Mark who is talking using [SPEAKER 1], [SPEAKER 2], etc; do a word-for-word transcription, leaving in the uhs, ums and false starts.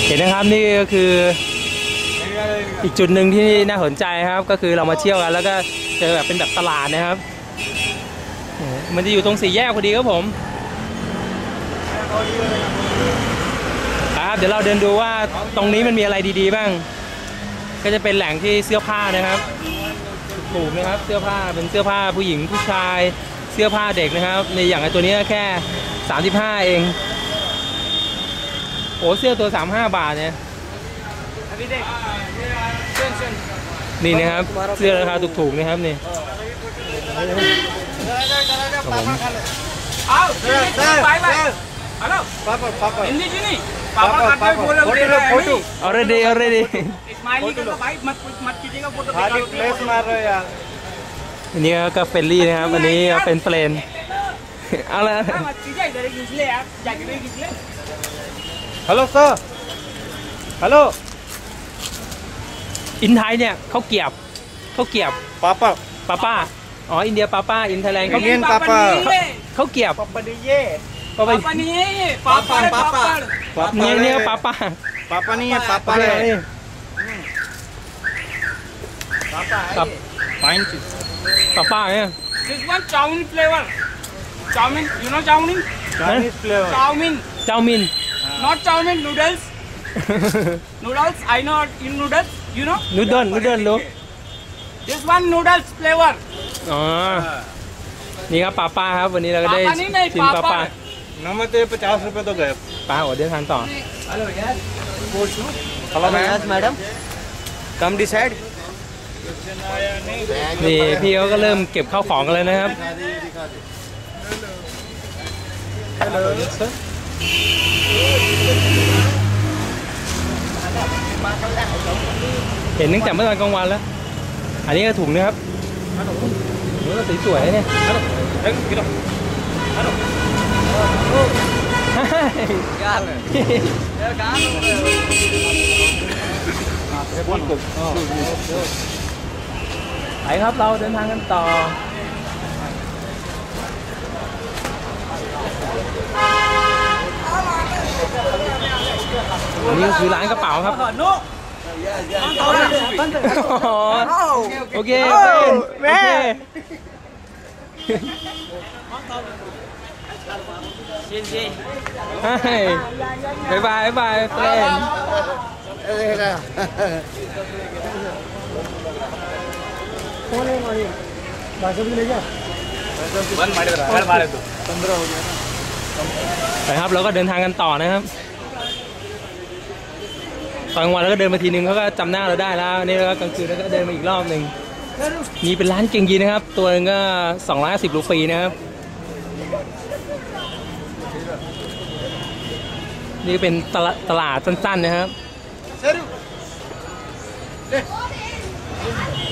[SPEAKER 1] เห็นนะครับนี่ก็คืออีกจุดหนึ่งที่น่าสนใจครับก็คือเรามาเที่ยวกันแล้วก็เจอแบบเป็นแบบตลาดนะครับมันจะอยู่ตรงสี่แยกพอดีครับผมครับเดี๋ยวเราเดินดูว่าตรงนี้มันมีอะไรดีๆบ้างก็จะเป็นแหล่งที่เสื้อผ้านะครับถูกนะครับเสื้อผ้าเป็นเสื้อผ้าผู้หญิงผู้ชายเสื้อผ้าเด็กนะครับในอย่างไอตัวนี้แค่สามสิบห้าเองโอ้เสื้อตัวสามสิบห้าบาทเนี่ยนี่นะครับเสื้อราคาถูกๆนะครับนี่already already อันนี้ก็เฟรนลี่นะครับอันนี้เป็นเฟรนเอาละฮัลโหล sir ฮัลโหลอินไทยเนี่ยเขาเกียบเขาเกียบป้าป้าป้าป้าอ๋ออินเดียป้าป้าอินไทยแลนด์เขาเกียบป้าป้าเขาเกียบป้าป้านี่เย่ป้าป้านี่ป้าป้าป้าป้าเนี่ยเนี่ยป้าป้าป้าป้านี่ป้าป้านี่ป้าป้าครับป้าป้าเนี่ย
[SPEAKER 2] This one chowmin flavor. Chowmin, you know chowmin?
[SPEAKER 1] Chinese
[SPEAKER 2] flavor. Chowmin.
[SPEAKER 1] Chowmin.
[SPEAKER 2] Not chowmin, noodles. Noodles, I know in noodles, you know?
[SPEAKER 1] Noodle, noodle ลูก
[SPEAKER 2] This one noodles flavor.
[SPEAKER 1] อ๋อนี่ครับป้าป้าครับวันนี้เราก็ได้ชิมป้าป้าน้ำมันเตะปचास रुपए तो गएป้าโอ้เดินทางต่อ
[SPEAKER 2] Hello yes.
[SPEAKER 1] Hello yes madam. Come decide. นี่พี่เขาก็เริ่มเก็บข้าวของกันเลยนะครับเห็นตั้งแต่เมื่อตอนกลางวันแล้วอันนี้ก็ถุงนะครับเนื้อสีสวยเนี่ยไปครับเราเดินทางกันต่ออันนี้ก็คือร้านกระเป๋าครับโอเคแม่บายบายบายเฟรนไปครับเราก็เดินทางกันต่อนะครับตอนกลางวันเราก็เดินมาทีนึงเขาก็จำหน้าเราได้แล้วนี่แล้วก็กลางคืนเราก็เดินมาอีกรอบหนึ่งนี่เป็นร้านเก่งยีนะครับตัวนึงก็สองร้อยห้าสิบรูปีนะครับนี่เป็นตลาดสั้นๆนะครับ